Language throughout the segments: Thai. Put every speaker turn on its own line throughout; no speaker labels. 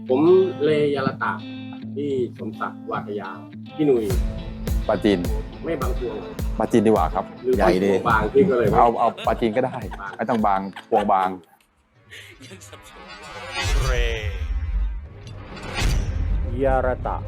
ผมเลยาลตะที่สมศักดิ์วาทยาพี่หนุ่ย
ปลาจีน
ไม่บางพวง
ปลาจีนดีกว่าครับ
หรือ
ใหญ่ดี
บางพี่ก็เลย
เอาปลาจีนก็ได้ไม่ต้องบางพวงบาง
เร
ยาระตะ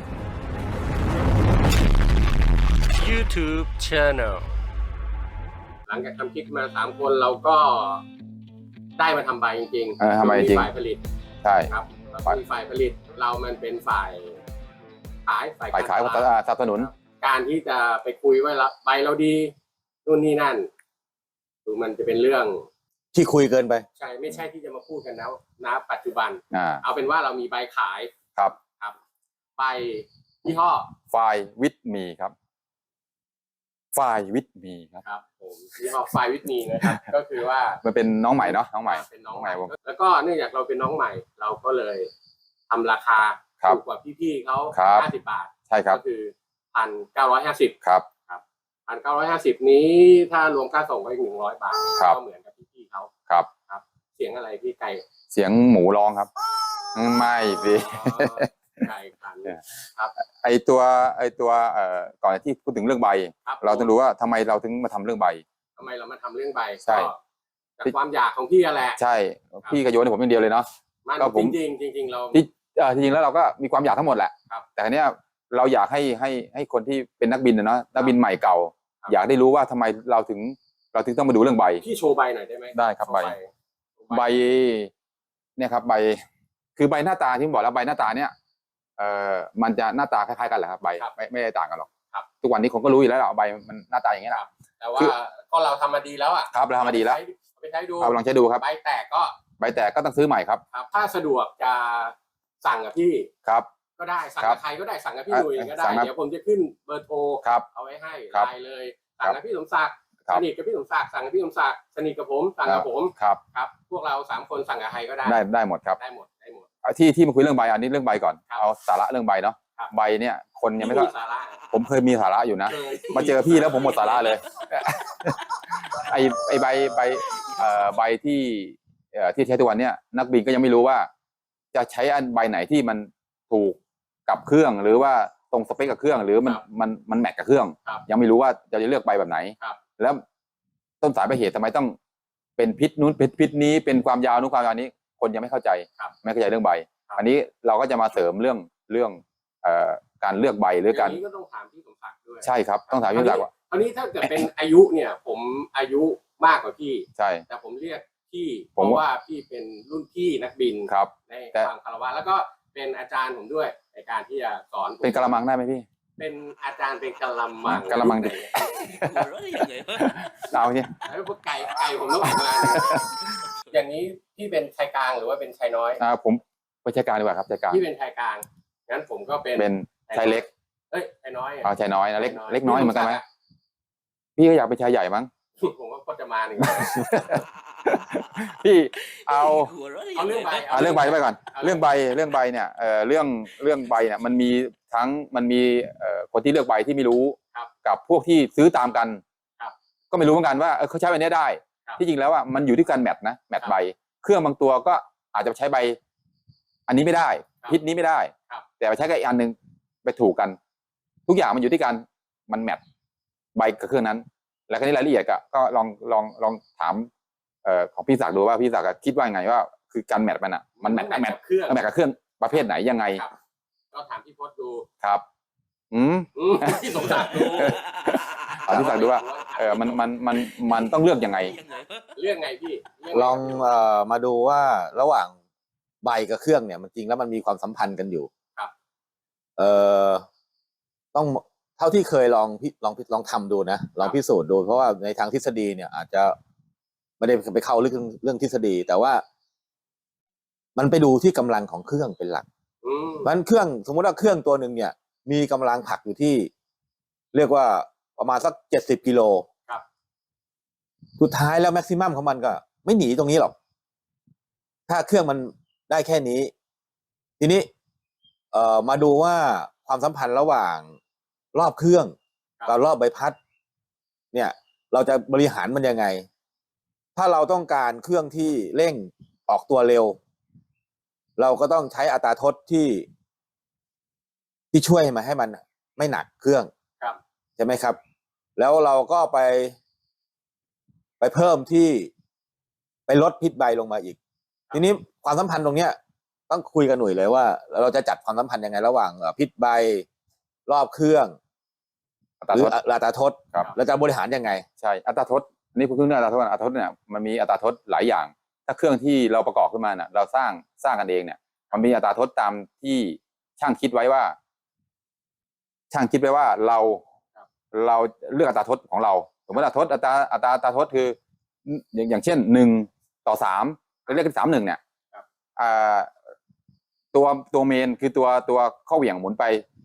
YouTube Channel
หลังจากทำคลิปมา3 คนเราก็ได้มาทำใบจริงๆ
ทำใบจริง
ฝ่ายผลิต
ใช่
ครับแล้วก็มีฝ่ายผลิตเรามันเป็นฝ่ายขายฝ่าย
ขายสนับสนุน
การที่จะไปคุยว่าใบเราดีนู่นนี่นั่นดูมันจะเป็นเรื่อง
ที่คุยเกินไป
ใช่ไม่ใช่ที่จะมาพูดกันแล้วนะปัจจุบันเอาเป็นว่าเรามีใบขาย
ครับ
ใบยี่ห้อ
ไฟวิทมีครับไฟวิทมี
ครับผมยี่ห้อไฟวิทมีนะครับก็คือว่า
มันเป็นน้องใหม่เนาะน้องใหม่
เป็นน้องใหม่แล้วก็เนื่องจากเราเป็นน้องใหม่เราก็เลยทำราคาถูกกว่าพี่ๆเขา50 บาท
ใช่ครับ
ก็คือ1,950
ครับ
1,950นี้ถ้ารวมค่าส่งก็อีก100 บาทก็เหมือนกับพี่ๆเขา
ครับ
เสียงอะไรพี่ไก่
เสียงหมูร้องครับไม่พี่
ไก่ขันครับ
ไอตัวก่อนที่พูดถึงเรื่องใบเราต้องรู้ว่าทำไมเราถึงมาทำเรื่องใบ
ทำไมเรามาทำเรื่องใบ
ใช่
จากความอยากของพี่แหละ
ใช่พี่ก็โยนให้ผมอย่างเดียวเลยเนาะ
ก็จริงเรา
จริงๆแล้วเราก็มีความอยากทั้งหมดแหละแต่ทีเนี้ยเราอยากให้คนที่เป็นนักบินนะนักบินใหม่เก่าอยากได้รู้ว่าทำไมเราถึงต้องมาดูเรื่องใบ
พี่โชว์ใบหน่อยได้ไหม
ได้ครับใบเนี่ยครับใบคือใบหน้าตาที่ผมบอกแล้วใบหน้าตาเนี่ยมันจะหน้าตาคล้ายๆกันแหละครับใบไม่ได้ต่างกันหรอกทุกวันนี้คนก็รู้อยู่แล้วใบมันหน้าตาอย่างนี้แหละ
แต่ว่าก็เราทำมาดีแล้วอ่ะ
ครับเราทำมาดีแล้ว
ไปใช้ดู
ลองใช้ดูครับ
ใบแตกก็
ต้องซื้อใหม่ครับ
ถ้าสะดวกจะสั่งกับพี่
ครับ
ก็ได้สั่งกับใครก็ได้สั่งกับพี่หนุ่ยก็ได้เดี๋ยวผมจะขึ้นเบอร์โทรเอาไว้ให้ไลน์เลยสั่งกับพี่สมศักดิ์สนิทกับพี่สมศักดิ์สั่งกับพี่สมศักดิ์สนิทกับผมสั่งกับผมครับพวกเรา3 คนสั่งกับใครก็
ได้หมดครับ
ได้หมด
ที่มาคุยเรื่องใบอันนี้เรื่องใบก่อนเอาสาระเรื่องใบเนาะใบเนี่ยคนยังไม่
สาระ
ผมเคยมีสาระอยู่นะมาเจอพี่แล้วผมหมดสาระเลยไอใบที่ใช้ทุกวันเนี่ยนักบินก็ยังไม่รู้ว่าจะใช้อันใบไหนที่มันถูกกับเครื่องหรือว่าตรงสเปคกับเครื่องหรือมันแมทกับเครื่องยังไม่รู้ว่าจะเลือกใบแบบไหนแล้วต้นสายปลายเหตุทำไมต้องเป็นพิษนู้นพิษนี้เป็นความยาวนู้นความยาวนี้คนยังไม่เข้าใจเรื่องใบอันนี้เราก็จะมาเสริมเรื่องการเลือกใบหรือการ
นี้ก็ต้องถามพี่สมศักดิ์ด้วย
ใช่ครับต้องถามพี่สมศักดิ์ว่า
อันนี้ถ้าเกิดเป็นอายุเนี่ยผมอายุมากกว่าพี่
ใช่
แต่ผมเรียกพี่เพราะว่าพี่เป็นรุ่นพี่นักบินในความคารวะแล้วก็เป็นอาจารย์ผมด้วยในการที่จะสอน
เป็นกะละมังได้ไหมพี่
เป็นอาจารย์เป็นกะละมัง
ดิเอาเนี่ย
แล้วพวกไก่ผมต้องมาอย่างนี้พี่เป็นชายกลางหรือว่าเป็นชายน้อย
ผมเป็นชายกลางดีกว่าครับชายกลาง
พี่เป็นชายกลางงั้นผมก็เป็น
ชายเล็ก
ชายน้อย
ชายน้อยนะเล็กน้อยเหมือนกันไหมพี่ก็อยากเป็นชายใหญ่มั้ง
ผมก็จะมาหนึ่ง
พี่เอา
เรื่องใบ
ไปก่อนเรื่องใบเนี่ยเรื่องใบเนี่ยมันมีคนที่เลือกใบที่ไม่รู้กับพวกที่ซื้อตามกันก็ไม่รู้เหมือนกันว่าเขาใช้ใบนี้ได้ที่จริงแล้วอ่ะมันอยู่ที่การแมทนะแมทใบเครื่องบางตัวก็อาจจะใช้ใบอันนี้ไม่ได้พิษนี้ไม่ได้แต่ใช้กับอีกอันนึงไปถูกกันทุกอย่างมันอยู่ที่การมันแมทใบกับเครื่องนั้นแล้วก็ในรายละเอียดก็ลองถามของพี่ศักดิ์ดูว่าพี่ศักดิ์คิดว่าไงว่าคือการแมทมันอ่ะมันแมทกับเครื่องประเภทไหนยังไง
ก็ถามพี่พจน์ดู
ครับ
พี่สมศักดิ์ดู
พี่ศักดิ์ดูว่ามันต้องเลือกยังไง
เลือกไงพี่
ลองมาดูว่าระหว่างใบกับเครื่องเนี่ยมันจริงแล้วมันมีความสัมพันธ์กันอยู่
ครับ
ต้องเท่าที่เคยลองทำดูนะลองพิสูจน์ดูเพราะว่าในทางทฤษฎีเนี่ยอาจจะไม่ได้ไปเข้าเรื่องทฤษฎีแต่ว่ามันไปดูที่กำลังของเครื่องเป็นหลักมันเครื่องสมมติว่าเครื่องตัวหนึ่งเนี่ยมีกำลังผลักอยู่ที่เรียกว่าประมาณสัก70 กิโลสุดท้ายแล้วแม็กซิมัมของมันก็ไม่หนีตรงนี้หรอกถ้าเครื่องมันได้แค่นี้ทีนี้มาดูว่าความสัมพันธ์ระหว่างรอบเครื่องกับรอบใบพัดเนี่ยเราจะบริหารมันยังไงถ้าเราต้องการเครื่องที่เร่งออกตัวเร็วเราก็ต้องใช้อัตราทดที่ช่วยมาให้มันไม่หนักเครื่อง
ครับ
ใช่ไหมครับ แล้วเราก็ไปเพิ่มที่ไปลดพิษใบลงมาอีก ทีนี้ความสัมพันธ์ตรงเนี้ยต้องคุยกันหน่อยเลยว่าเราจะจัดความสัมพันธ์ยังไงระหว่างพิษใบรอบเครื่อง
อัตรา
หรื
ท
อ
ด
อัตราทด
ครับ
เราจะบริหารยังไง
ใช่อัตราทดอันนี้พูดถึงเรื่องอัตราทดอัตราทดเนี่ยมันมีอัตราทดหลายอย่าง ถ้าเครื่องที่เราประกอบขึ้นมาเนี่ยเราสร้างกันเองเนี่ยมันมีอัตราทดตามที่ช่างคิดไว้ว่า ช่างคิดไว้ว่าเราเลือกอัตราทดของเราสมมติอัตราทดอัตราทดคืออย่างเช่น1:3เราเรียกกัน3:1เนี่ยตัวเมนคือตัวข้อเหวี่ยงหมุน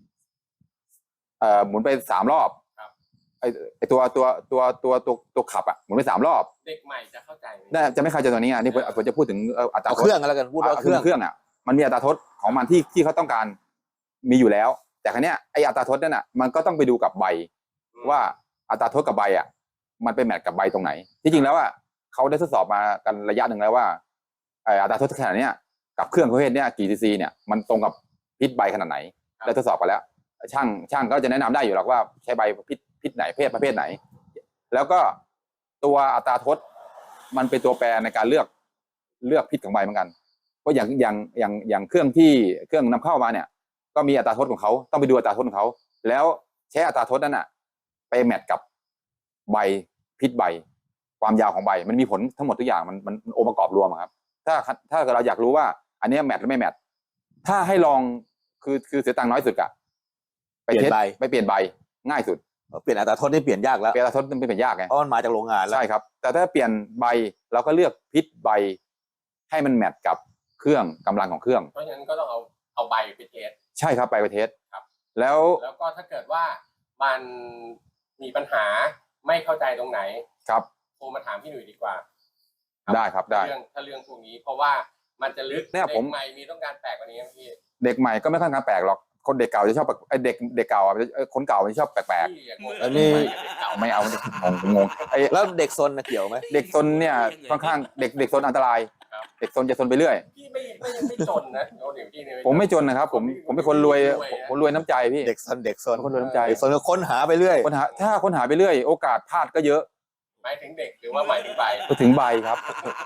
ไป3 รอบไอตัวขับอ่ะหมุนไป3 รอบ
เด็กใหม่จะเข้าใจ
จะไม่เข้าใจตัวนี้อ่ะนี่ผมจะพูดถึงอัตราทด
เครื่องแล้วกันพูดว่าเครื่อง
อ่ะมันมีอัตราทดของมันที่เขาต้องการมีอยู่แล้ว แต่ครั้งนี้ไออัตราทดนั่นน่ะมันก็ต้องไปดูกับใบว่าอัตราทดกับใบอ่ะมันไปแมทกับใบตรงไหนที่จริงแล้วอ่ะเขาได้ทดสอบมากันระยะหนึ่งแล้วว่าอัตราทดขนาดนี้กับเครื่องประเภทนี้กี่ซีซีเนี่ยมันตรงกับพิษใบขนาดไหนได้ทดสอบกันแล้วช่างก็จะแนะนำได้อยู่หรอกว่าใช้ใบพิษไหนประเภทไหนแล้วก็ตัวอัตราทดมันเป็นตัวแปรในการเลือกพิษของใบเหมือนกันเพราะอย่างเครื่องนำเข้ามาเนี่ยก็มีอัตราทดของเขาต้องไปดูอัตราทดของเขาแล้วใช้อัตราทดนั้นน่ะไปแมทกับใบพิษใบความยาวของใบมันมีผลทั้งหมดทุกอย่างมันองค์ประกอบรวมครับถ้าเราอยากรู้ว่าอันนี้แมทหรือไม่แมทถ้าให้ลองคือเสียตังค์น้อยสุดอะไปเปลี่ยนใบง่ายสุด
เปลี่ยนอัตราทดนี่เปลี่ยนยากแล้ว
เปลี่ยนอัตราทดมันเป็นยากไง
เพราะมันมาจากโรงงานแล้ว
ใช่ครับแต่ถ้าเปลี่ยนใบเราก็เลือกพิษใบให้มันแมทกับเครื่องกำลังของเครื่อง
เพราะฉะนั้นก็ต้องเอาใบไปเทส
ใช่ครับใบไปเทส
ครับ
แล้ว
ก็ถ้าเกิดว่ามันมีปัญหาไม่เข้าใจตรงไหน
ครับ
โทรมาถามพี่หนุ่ยดีกว่า
ได้ครับได้
ถ้าเรื่องพวกนี้เพราะว่ามันจะลึก
เนี่ยผม
ใหม่มีต้องการแปลกกว่านี้พี่
เด็กใหม่ก็ไม่ค่อยการแปลกหรอกคนเด็กเก่าจะชอบเด็กเก่าคนเก่าจะชอบแปลก
ๆอันนี้
ไม่เอางง
แล้วเด็กซนเกี่ยวไหม
เด็กซนเนี่ยค่อนข้างเด็กซนอันตรายเด็กซนจะซนไปเรื่อย
พี่ไม่จนนะ
ผมไม่จนนะครับผมเป็นคนรวยผมรวยน้ำใจพี่
เด็กซน
คนรวยน้ำใจ
เด็กซนก็ค้นหาไปเรื่อย
ถ้าค้นหาไปเรื่อยโอกาสพลาดก็เยอะ
หมายถึงเด็กหรือว่าหมายถึงใบ
ถึงใบครับ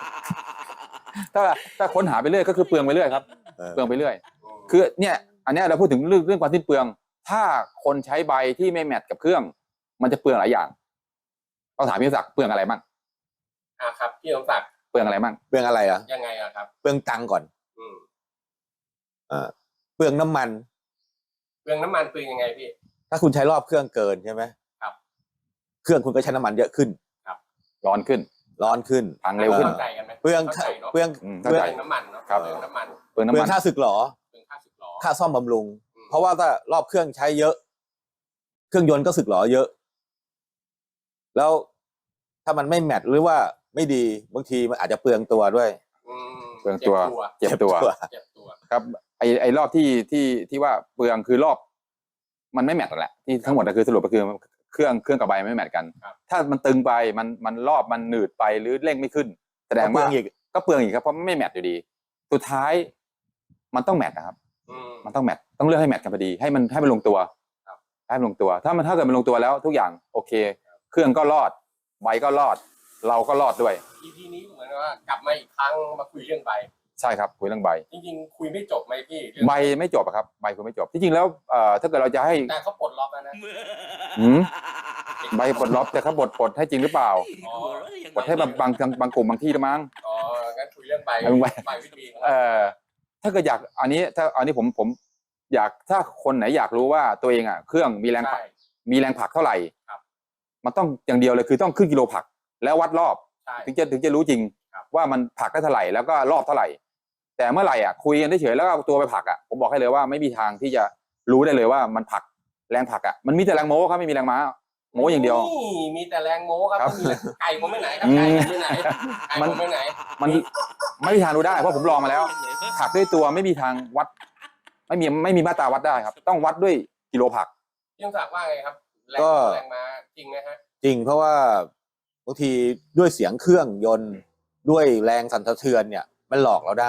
ถ้าค้นหาไปเรื่อยก็คือเปลืองไปเรื่อยครับเปลืองไปเรื่อยคือเนี่ยอันนี้เราพูดถึงเรื่องความสิ้นเปลืองถ้าคนใช้ใบที่ไม่แมทกับเครื่องมันจะเปลืองหลายอย่างต้องถามพี่ศักดิ์เปลืองอะไรบ้าง
ครับพี่สมศักดิ์
เปลืองอะไรบ้าง
เปลืองอะไรอ่ะ
ยังไงครับ
เปลืองตังค์ก่อนเปลืองน้ำมัน
เปลืองยังไงพี่
ถ้าคุณใช้รอบเครื่องเกินใช่ไหม
ครับ
เครื่องคุณก็ใช้น้ำมันเยอะขึ้น
ครับ
ร้อนขึ้น
พั
งเร็วขึ้น
เปลือง
น้ำมันเนาะครับเปลืองน้ำ
มันค่าสึกหรอค่าซ่อมบำรุงเพราะว่าถ้ารอบเครื่องใช้เยอะเครื่องยนต์ก็สึกหรอเยอะแล้วถ้ามันไม่แมทหรือว่าไม่ดีบางทีมันอาจจะเปลืองตัวด้วย
เปลืองตัวเจ็บตัวครับไอ้รอบที่ว่าเปลืองคือรอบมันไม่แมทแหละที่ทั้งหมดก็คือสรุปก็คือเครื่องกับใบไม่แมทกันถ้ามันตึงไปมันรอบมันหนืดไปหรือเร่งไม่ขึ้นแสดงว่าก็เปลืองอีกครับเพราะไม่แมทอยู่ดีสุดท้ายมันต้องแมทนะครับมันต้องแมทต้องเลือกให้แมทกันพอดีให้มันลงตัวให้มันลงตัวถ้าเกิดมันลงตัวแล้วทุกอย่างโอเคเครื่องก็รอดใบก็รอดเราก็รอดด้วย
EP นี้เหมือนว่ากลับมาอีกครั้งมาคุยเรื่องใบ
ใช่ครับคุยเรื่องใบ
จริงๆคุยไม่จบไหมพี่
ใบไม่จบครับใบคุยไม่จบที่จริงแล้วถ้าเกิดเราจะให้
แต่เขาปลดล็อกแล้วนะ
ใบปลดล็อกแต่เขาปลดให้จริงหรือเปล่าปลดให้บางกลุ่มบางที่ละมั้ง
งั้นคุยเรื่องใบวิธี
ถ้าเกิดอยากอันนี้ผมอยากถ้าคนไหนอยากรู้ว่าตัวเองเครื่องมีแรงผลักเท่าไหร่มันต้องอย่างเดียวเลยคือต้องขึ้นกิโลผลักแล้ววัดรอบถึงจะรู้จริงว่ามันผลักได้เท่าไหร่แล้วก็รอบเท่าไหร่แต่เมื่อไหร่คุยกันเฉยๆแล้วก็ตัวไปผลักผมบอกให้เลยว่าไม่มีทางที่จะรู้ได้เลยว่ามันผลักแรงผลักมันมีแต่แรงโม้ครับไม่มีแรงม้าโม้อย่างเดียว
มีแต่แรงโม้ครับไก่ผมไม่ไหนครับไก่ไม่ไหนมัน
ไม่มีทางรู้ได้เพราะผมลองมาแล้วผลักด้วยตัวไม่มีทางวัดไม่มีมาตราวัดได้ครับต้องวัดด้วยกิโลผลัก
พี่ศักดิ์ว่าไงครับแรงม้าจริงไหมฮะ
จริงเพราะว่าบางทีด้วยเสียงเครื่องยนต์ด้วยแรงสั่นสะเทือนเนี่ยมันหลอกเราได้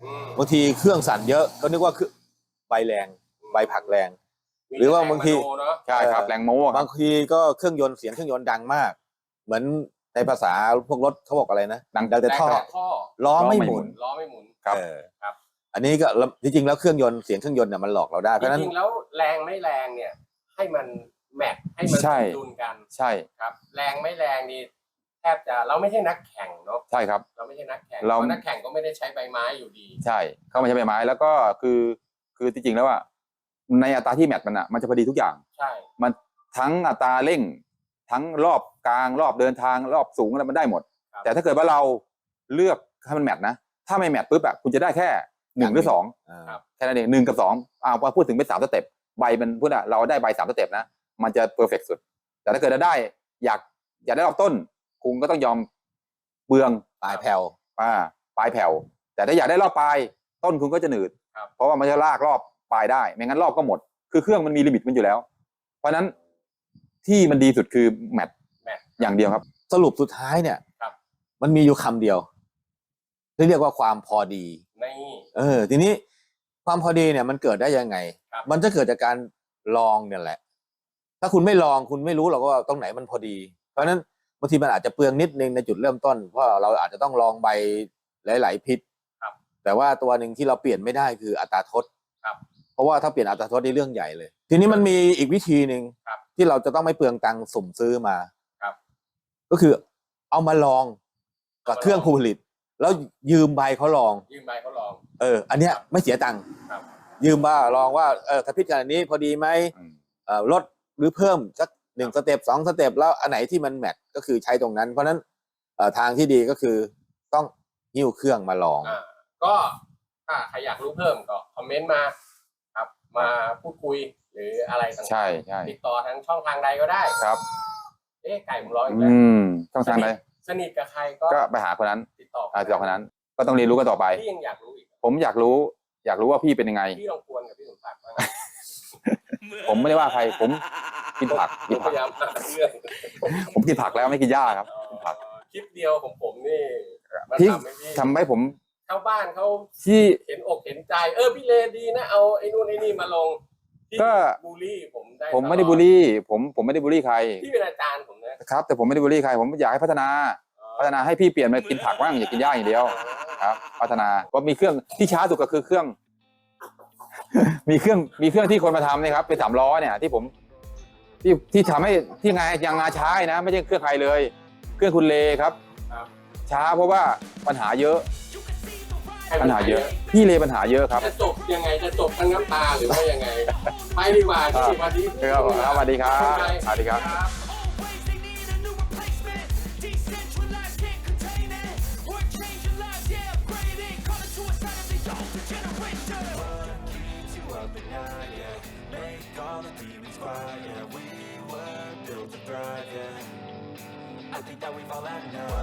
บางทีเครื่องสั่นเยอะก็นึกว่าคือใบแรงใบผักแรง หรือว่าบางที
ใช่ครับแรงโม้ครับ
บางทีก็เครื่องยนต์เสียงเครื่องยนต์ดังมาก เหมือนในภาษาพวกรถเขาบอกอะไรนะ
ดัง
แต่ท่อล้อไม่หมุน
ล้อไม่หมุน
ครับ
ครับ
อันนี้ก็จริงๆแล้วเครื่องยนต์เสียงเครื่องยนต์เนี่ยมันหลอกเราได้เพ
จ
ราะฉะนั้น
ริงๆแล้วแรงไม่แรงเนี่ย ให้มันแมทให้มันสมดุลกัน
ใช่
ครับ แรงไม่แรงนี่แทบจะเราไม่ใช่นักแข่งเนาะ
ใช่ครับ
เราไม่ใช่นักแข่ง
เรา
เพราะนักแข่งก็ไม่ได้ใช้ใบไม้อยู่ดี
ใช่เข้ามาใช้ใบไม้แล้วก็คือจริงๆแล้วว่าในอัตราที่แมทมันอ่ะมันจะพอดีทุกอย่าง
ใช่
มันทั้งอัตราเร่งทั้งรอบกลางรอบเดินทางรอบสูงอะไรมันได้หมด แต่ถ้าเกิดว่าเราเลือกให้มันแมทนะถ้าไม่แมทปุ๊บอะคุณจะได้แค่1หรือ2แค่นั้นเอง1กับ2พอพูดถึงเป็น3สเต็ปใบมันพูดอะเราได้ใบ3สเต็ปนะมันจะเพอร์เฟกต์สุดแต่ถ้าเกิดเราได้อยากได้รอบต้นคุณก็ต้องยอมเบือง
ปลายแผ่ว
ปลายแผ่วแต่ถ้าอยากได้รอบปลายต้นคุณก็จะหนืดเพราะว่ามันจะลากรอบปลายได้ไม่งั้นรอบก็หมดคือเครื่องมันมีลิมิตมันอยู่แล้วเพราะฉะนั้นที่มันดีสุดคือแมทอย่างเดียวครับ
สรุปสุดท้ายเนี่ยมันมีอยู่คำเดียวที่เรียกว่าความพอดีทีนี้ความพอดีเนี่ยมันเกิดได้ยังไงมันจะเกิดจากการลองเนี่ยแหละถ้าคุณไม่ลองคุณไม่รู้หรอกว่าตรงไหนมันพอดีเพราะฉะนั้นบางทีมันอาจจะเปลืองนิดนึงในจุดเริ่มต้นเพราะเราอาจจะต้องลองใบหลายๆพิษแต่ว่าตัวหนึ่งที่เราเปลี่ยนไม่ได้คืออัตราทดเพราะว่าถ้าเปลี่ยนอัตราทดนี่เรื่องใหญ่เลยทีนี้มันมีอีกวิธีหนึ่งที่เราจะต้องไม่เปลืองตังค์สุ่มซื้อมาก็คือเอามาลองกับเครื่องผู้ผลิตแล้วยืมใบเขาลองอันเนี้ยไม่เสียตังค์ยืมมาลองว่าถ้าพิษขนาดนี้พอดีไหมลดหรือเพิ่มสัก1สเต็ป2สเต็ปแล้วอันไหนที่มันแมทก็คือใช้ตรงนั้นเพราะนั้นทางที่ดีก็คือต้องหิ้วเครื่องมาลอง
ก็ถ้าใครอยากรู้เพิ่มก็คอมเมนต์มาครับมาพูดคุยหรืออะไรต่างๆติดต่อทางช่องทางใดก็ได้
ครับ
ไก่ผมร้อยอีกแล้ว
ช่องทางใด
สนิทกับใครก็
ไปหาคนนั้น
ติดต่อ
คนนั้นก็ต้องเรียนรู้กันต่อไป
พี่ยังอยากรู้อีก
ผมอยากรู้ว่าพี่เป็นยังไง
พี่ลองกวนกับพี่สมศักดิ์
ผมไม่ได้ว่าใครผมกินผัก
พยายามหาเรื่อง
ผมกินผักแล้วไม่กินหญ้าครับกินผัก
คลิปเดียวของผมนี่
ที่ทำให้ผม
ชาวบ้านเขา
ที่
เห็นอกเห็นใจพี่เลดีนะเอาไอ้นู่นไอ้นี่มาลง
ก็
บูลลี่
ผมไม่ได้บูลลี่ผมไม่ได้บูลลี่ใคร
พี่เป็นอาจารย์ผม
นะครับแต่ผมไม่ได้บูลลี่ใครผมอยากให้พัฒนาให้พี่เปลี่ยนมากินผักบ้างอย่ากินหญ้าอย่างเดียวครับพัฒนาว่ามีเครื่องที่ช้าสุดก็คือเครื่องมีเครื่องที่คนมาทำนะครับเป็น3 ล้อเนี่ยที่ผมที่ทำให้ที่งาช้านะไม่ใช่เครื่องใครเลยเครื่องคุณเลครับช้าเพราะว่าปัญหาเยอะพี่เลปัญหาเยอะครับ
จะจบยังไงจะจบทั้งน้ำตาหรือว่ายังไงไปดีกว่าที่วันนี้
สวัสดีครับสวัสดีครับ
I think that we've all had enough